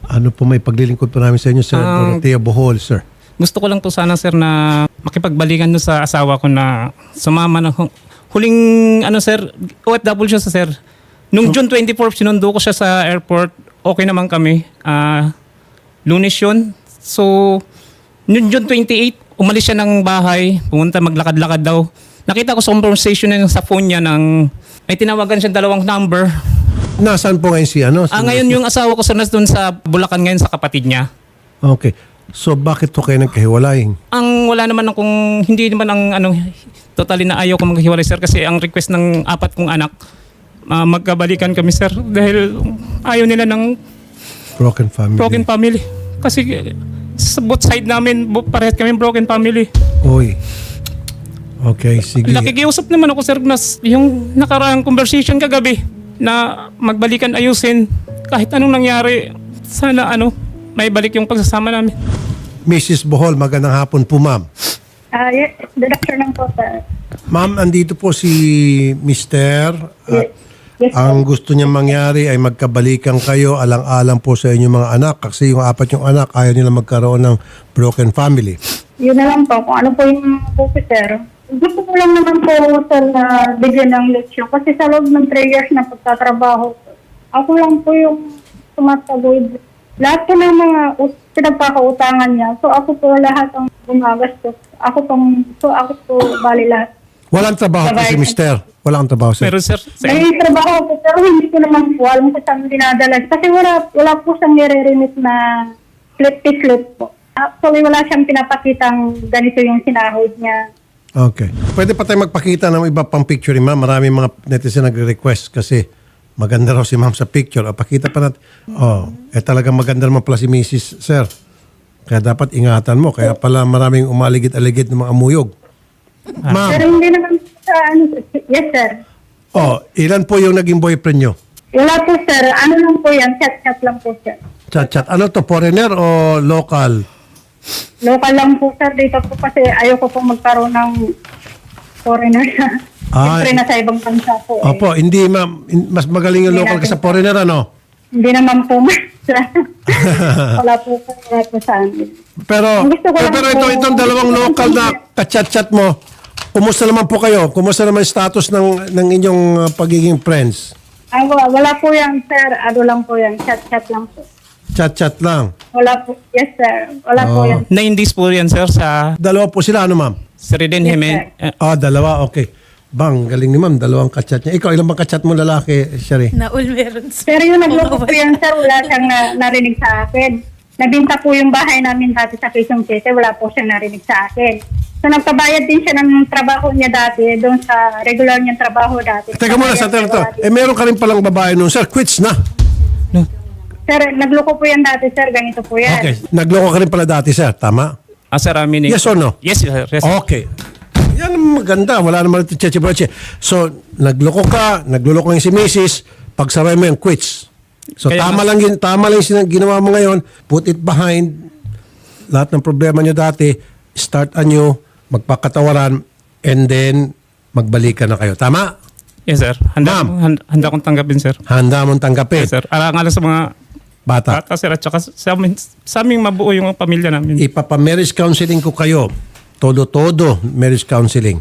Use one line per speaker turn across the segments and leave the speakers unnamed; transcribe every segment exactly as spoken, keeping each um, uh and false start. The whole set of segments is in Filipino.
Ano po may paglilingkod po namin sa inyo, Sir
Ang-
Dorothea Bohol, sir?
Gusto ko lang po sana sir na makipagbalikan no sa asawa ko na sumama na hu- huling ano sir, O F W siya sa sir. Nung June twenty-fourth sinundo ko siya sa airport. Okay naman kami. Ah, Lunes yun. So noong June twenty-eighth umalis siya ng bahay, pumunta maglakad-lakad daw. Nakita ko sa conversation niya sa phone niya ng may tinawagan siya dalawang number.
Nasaan po ngayon si ano? Si-
Ah, ngayon yung asawa ko sir nas doon sa Bulacan ngayon sa kapatid niya.
Okay. So bakit po kayo nagkahiwalay?
Ang wala naman akong, hindi naman ang ano, totally na ayaw ko maghiwalay sir kasi ang request ng apat kong anak, ah, magkabalikan kami sir dahil ayaw nila ng
Broken family.
broken family. Kasi eh, sa both side namin, bo- parehas kami broken family.
Uy. Okay, sige.
Nakikiusap naman ako sir na s- yung nakaraang conversation kagabi na magbalikan ayusin kahit anong nangyari. Sana ano, may balik yung pagsasama namin.
Missus Bohol, magandang hapon po, ma'am.
Ah, yes, good afternoon po, sir.
Ma'am, andito po si Mister At
Yes,
ang gusto niya mangyari ay magkabalikan kayo alang-alang po sa inyong mga anak kasi yung apat yung anak ayaw nila magkaroon ng broken family.
Yun na lang po, kung ano po yung po, sir. Gusto ko lang naman po, sir, na bigyan ng leksyon. Kasi sa loob ng three years na pagtatrabaho, ako lang po yung tumatagod. Lahat po ng mga us- pinagkakautangan niya. So ako po lahat ang gumagastos. Ako pong, so ako po bali lahat.
Walang trabaho po si Mister. Walang trabaho, sir.
Pero sir, sa,
May trabaho po, pero hindi ko naman po alam kung saan dinadala. Kasi wala, wala po siyang nire-remit na slip-slip po. Actually, wala siyang pinapakitang ganito yung sinahod niya.
Okay. Pwede pa tayo magpakita ng iba pang picture ni ma'am. Maraming mga netizen nagre-request kasi maganda raw si ma'am sa picture. O, pakita pa natin. Oh, eh talagang maganda naman pala si Missus Sir. Kaya dapat ingatan mo. Kaya pala maraming umaligid-aligid ng mga amuyog. Ma'am,
Pero hindi naman po sa ano, yes sir.
oh, ilan po yung naging boyfriend nyo?
Wala po sir, ano lang po yan, chat-chat lang po sir.
Chat-chat. Ano to? Foreigner o local?
Local lang po sir dito po kasi ayoko po magkaroon ng foreigner na.
Ah,
Siyempre nasa ibang bansa po. eh.
Opo, hindi ma'am. In- Mas magaling yung
Hindi
local
natin-
kaysa foreigner, ano?
Hindi naman po sir. Wala po po, wala po sa amin.
Pero,
Ang gusto ko
pero,
lang
pero
po-
ito, itong dalawang local na kachat-chat mo, kumusta naman po kayo? Kumusta naman yung status ng, ng inyong uh, pagiging friends?
Ah, wala, wala po yan sir, ano lang po yan, chat-chat lang po.
Chat-chat lang.
Wala po, yes sir, wala po
Oh.
yan.
nine days po yan sir sa
Dalawa po sila, ano ma'am?
Sreden
Yes,
Jimen.
sir.
eh,
Ah, dalawa, okay. Bang, galing ni ma'am, dalawang kachat niya. Ikaw, ilan bang kachat mo lalaki, Sherry?
Naul meron sir.
Pero yung nagloko po yan sir, wala siyang na, narinig sa akin. Nabinta po yung bahay namin dati sa Quezon City, wala po siyang narinig sa akin. So nagpabayad din siya ng trabaho niya dati, doon sa regular niyang trabaho dati.
Teka muna, sa
Nagpabayad
to.
siya
Eh, meron ka rin palang babae nun. Sir, quits na.
no.
Sir, nagloko po yan dati sir, ganito po yan.
Okay. Nagloko ka rin pala dati, sir. Tama?
Ah, sir, aminin.
Yes or no?
Yes, sir. Yes, sir.
Okay. Yan ang maganda. Wala naman ito cheche-breche. So, nagloko ka, nagluloko yung si Missus Pagsaray mo yung quits. So,
Kaya
tama
mas-
lang yun, tama lang yung sin- ginawa mo ngayon. Put it behind. Lahat ng problema nyo dati, start anew, magpakatawaran, and then, magbalikan na kayo. Tama?
Yes, sir. Handa,
Ma'am.
handa, handa kong tanggapin, sir.
Handa mong tanggapin.
Yes, sir. Alang-alang sa mga
Bata.
bata, sir. At saka sa amin, sa aming mabuo yung pamilya namin.
Ipapa-marriage counseling ko kayo. Todo-todo marriage counseling.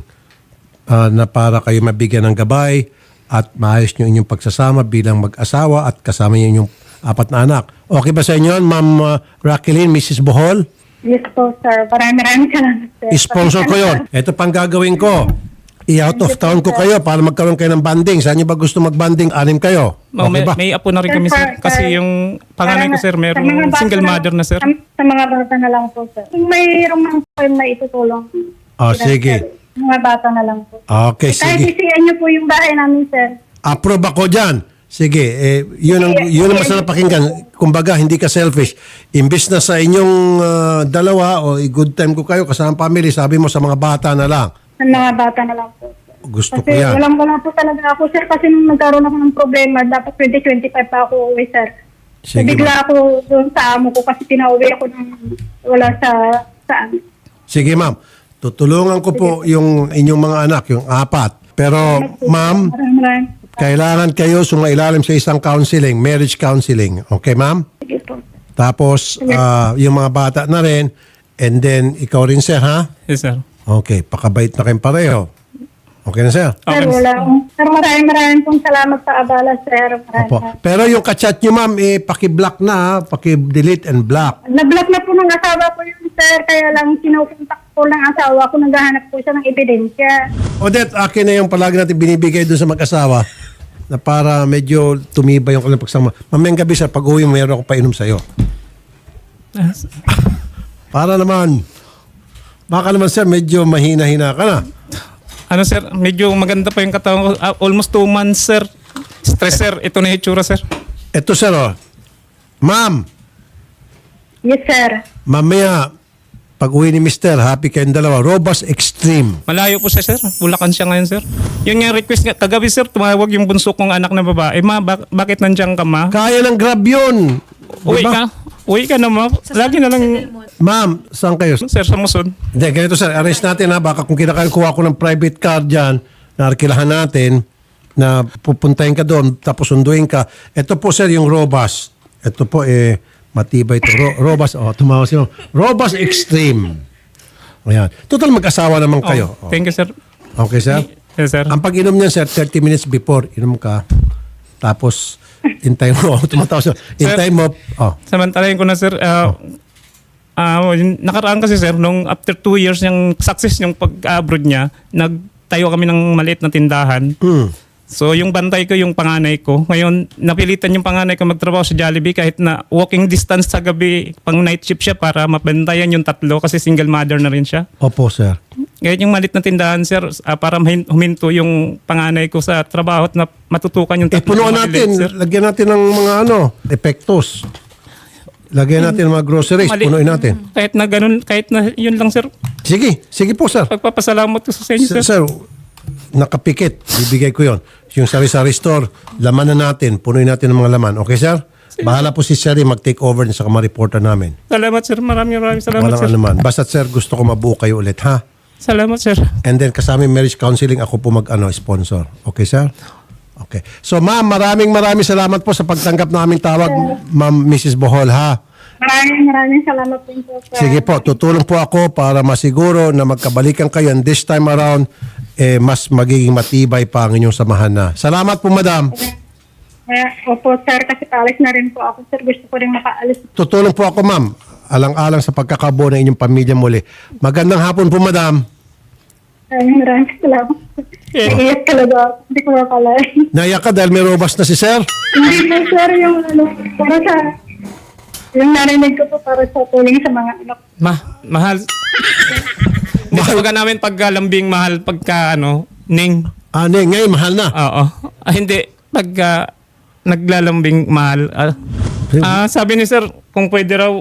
Ah, na para kayo mabigyan ng gabay at maayos nyo inyong pagsasama bilang mag-asawa at kasama nyo inyong apat na anak. Okay ba sa inyo, Ma'am uh, Raqueline, Missus Bohol?
Yes po sir, maraming maraming salamat sir.
I-sponsor ko yon. Ito pang gagawin ko. I-out of town ko kayo para magkaroon kayo ng banding. Saan nyo ba gusto mag-banding? Anim kayo.
Oh,
Okay
may,
ba?
may apo na rin kami, sir. Kasi yung panganay ko, sir,
Sa mga
mayroong
bata
single
na-
mother na, sir.
Sa, sa mga bata na lang po sir. Kung mayroong mga po yung maitutulong.
Oh,
sir,
sige.
Mga bata na lang po.
Okay,
Kahit
sige.
isiyan niyo po yung bahay namin sir.
Approve ako dyan. Sige, eh, yun ang, yun ang masarap pakinggan. Kumbaga, hindi ka selfish. Imbis na sa inyong ah, dalawa o i-good time ko kayo kasama ang family, sabi mo sa mga bata na lang.
Sa mga bata na lang po.
Gusto ko
Kasi
yan.
walang wala po talaga ako sir. Kasi nung nagkaroon ako ng problema, dapat twenty twenty-five pa ako uwi sir. So,
Sige,
bigla ako doon sa amo ko kasi pinauwi ako ng wala sa saan.
Sige, ma'am. Tutulungan ko po yung inyong mga anak, yung apat. Pero, ma'am,
Maraming maraming.
kailangan kayo sumailalim sa isang counseling, marriage counseling. Okay, ma'am?
Sige po.
Tapos, ah, yung mga bata na rin. And then, ikaw rin, sir, ha?
Yes, sir.
Okay, pakabait na kayong pareho. Okay na, sir?
Sir,
Okay.
wala. Sir, maraming maraming pong salamat sa abala, sir. Maraming
Opo. Pero yung kachat nyo, ma'am, eh, paki-block na, ha? Paki-delete and block.
Na-block na po ng asawa ko yun, sir. Kaya lang sinukontak po ng asawa ko. Naghahanap po siya ng ebidensya.
Odette, akin na yung palagi natin binibigay doon sa mag-asawa na para medyo tumibay yung kanilang pagsama. Mamayang gabi, sir, pag-uwi mo, meron ako painom sa'yo.
Ah,
Para naman, baka naman, sir, medyo mahina-hina ka na.
Ano sir, medyo maganda pa yung katawan ko. Ah, almost two months sir. Stress sir, ito na yung itsura sir.
Eto, sir, oh. Ma'am,
Yes, sir.
mamaya, pag-uwi ni mister, happy kayong dalawa. Robust Extreme.
Malayo po siya sir. Bulacan siya ngayon sir. Yun nga request nga. Kagabi sir, tumawag yung bunso kong anak na babae. Ma, bak- bakit nandiyan ka ma?
Kaya ng grab yun.
Uwi
Diba?
ka. Uwi ka na ma. Lagi na lang
Ma'am, saan kayo?
sir sa Muson.
Hindi, ganito sir, arrange natin ha. Baka kung kinakakuha ko ng private car dyan, na arkilahan natin, na pupuntahin ka doon, tapos sunduin ka. Ito po sir, yung Robust. Ito po eh, matibay ito. Ro- Robust, oh, tumawa siya. Robust Extreme. Ayan. Total mag-asawa naman kayo.
Oh, thank you sir.
Okay sir?
Yes sir.
Ang pag-inom niyan sir, thirty minutes before, inom ka. Tapos, intay mo. Tumatawa siya. Intay mo. Oh.
Samantalahin ko na sir. ah ah, yung nakaraan kasi sir, nung after two years yung success yung pag-abroad niya, nagtayo kami ng maliit na tindahan.
Hmm.
So yung bantay ko yung panganay ko. Ngayon, napilitan yung panganay ko magtrabaho sa Jollibee kahit na walking distance sa gabi, pang night shift siya para mabantayan yung tatlo kasi single mother na rin siya.
Opo sir.
Ngayon yung maliit na tindahan sir, ah, para mahin- huminto yung panganay ko sa trabaho at na matutukan yung
Eh,
tatlo.
punuan
na
natin.
maliit, sir.
Lagyan natin ng mga ano, epektos. Lagyan natin ng mga groceries.
Mali-
Punuin natin.
Kahit na ganun, kahit na yun lang sir.
Sige. Sige po, sir.
Pagpapasalamat ko sa inyo
Sir,
sir.
sir, nakapikit. Bibigay ko yon. Yung sari-sari store, laman na natin. Punuin natin ng mga laman. Okay, sir? Bahala po si Sherry mag-take over sa mga reporter namin.
Salamat sir, maraming maraming salamat
Walang
sir.
anuman. Basta, sir, gusto ko mabuo kayo ulit, ha?
Salamat sir.
And then, kasama yung marriage counseling, ako po mag-ano, sponsor. Okay, sir? Okay. So, ma'am, maraming maraming salamat po sa pagtanggap na aming tawag, ma'am Missus Bohol, ha?
Maraming maraming salamat din po, sir.
Sige po, tutulong po ako para masiguro na magkabalikan kayo and this time around, eh, mas magiging matibay pa ang inyong samahan na. Salamat po, madam.
Eh, opo, sir, kasi paalis na rin po ako, sir. Gusto ko rin makaalis.
Tutulong po ako, ma'am. Alang-alang sa pagkakabuo ng inyong pamilya muli. Magandang hapon po, madam.
Maraming maraming salamat.
Eh.
Naiiyak talaga ako. Hindi ko makalain.
Naiyak ka dahil may robust na si sir.
Hindi po, sir, yung ano, para sa, yung narinig ko po para sa tuling sa mga anak.
Ma, mahal. Hindi talaga namin pagkalambing mahal pagka ano, ning.
Ah, ne, ngayon, mahal na.
Oo. Ah, hindi. Pagka naglalambing mahal. Ah, ah, sabi ni sir, kung pwede raw,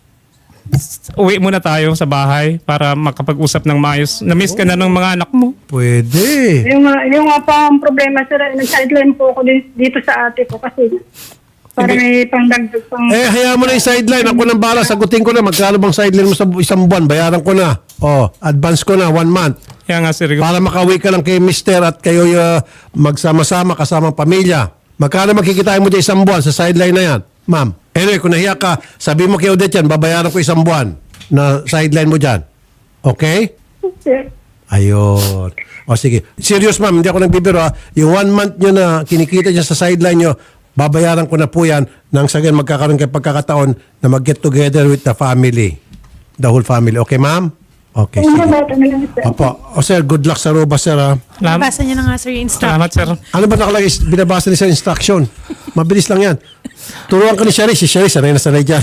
uwi muna tayo sa bahay para makapag-usap ng maayos. Na-miss ka na ng mga anak mo.
Pwede.
Yung, uh, yung nga pa ang problema, sir, ay nag-sideline po ako din- dito sa ate ko kasi para may pangdagdag pang...
Eh, hayaan mo na yung sideline. Ako nang bala. Sagutin ko na. Magkano bang sideline mo sa isang buwan? Bayaran ko na. Oh, advance ko na. One month.
Kaya nga sir,
Para makauwi ka lang kay mister at kayo uh, magsama-sama kasama pamilya. Magkano magkikitain mo dyan isang buwan sa sideline na yan, ma'am? Anyway, kung nahiya ka, sabi mo kay Odette yan, babayaran ko isang buwan na sideline mo dyan. Okay?
Sir,
Ayun. O sige. Serious ma'am, hindi ako nagbibiro ha. Yung one month nyo na kinikita dyan sa sideline nyo, babayaran ko na po yan nang sa ganyan magkakaroon kayo pagkakataon na mag-get together with the family. The whole family. Okay, ma'am? Okay,
yung
sige.
bata na lang, sir.
Opo. O sir, good luck sa Roba, sir ha.
salamat,
Basa niya na nga sir yung instruction.
salamat sir.
Ano ba nakalagay? Binabasa ni sa instruction. Mabilis lang yan. Turuan ka ni Sherry. Si Sherry, sanay na sanay dyan.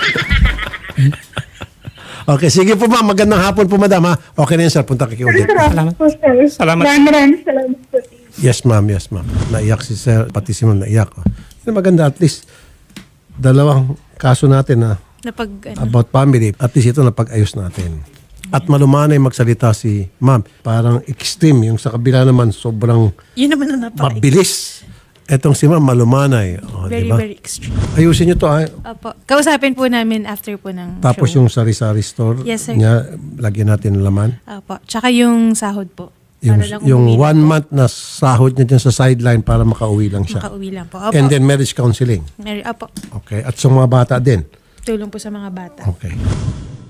Okay, sige po ma'am. Magandang hapon po madam ha. Okay na yan sir. Punta ka kay Odette.
Salamat po, sir.
Salamat.
Maraming maraming salamat po.
Yes ma'am, yes ma'am. Naiyak si sir. Pati si ma'am naiyak. Oh. Yun, maganda at least dalawang kaso natin na
Na pag, ano,
about family. At least ito napag-ayos natin. At malumanay magsalita si ma'am. Parang extreme. Yung sa kabila naman sobrang
yun naman na napaka
mabilis. Etong si ma'am malumanay. Oh,
very,
diba?
very extreme.
Ayusin nyo to ha.
Opo. Kausapin po namin after po ng
Tapos
show.
yung sari-sari store
Yes, sir.
niya, lagyan natin ng laman.
Opo. Tsaka yung sahod po.
Yung,
Para lang
yung
umuwi na
one
po.
month na sahod niya dyan sa sideline para makauwi lang siya.
Makauwi lang po. Opo.
And then marriage counseling.
Mary, opo.
Okay. At sa mga bata din.
tulong po sa mga bata.
Okay.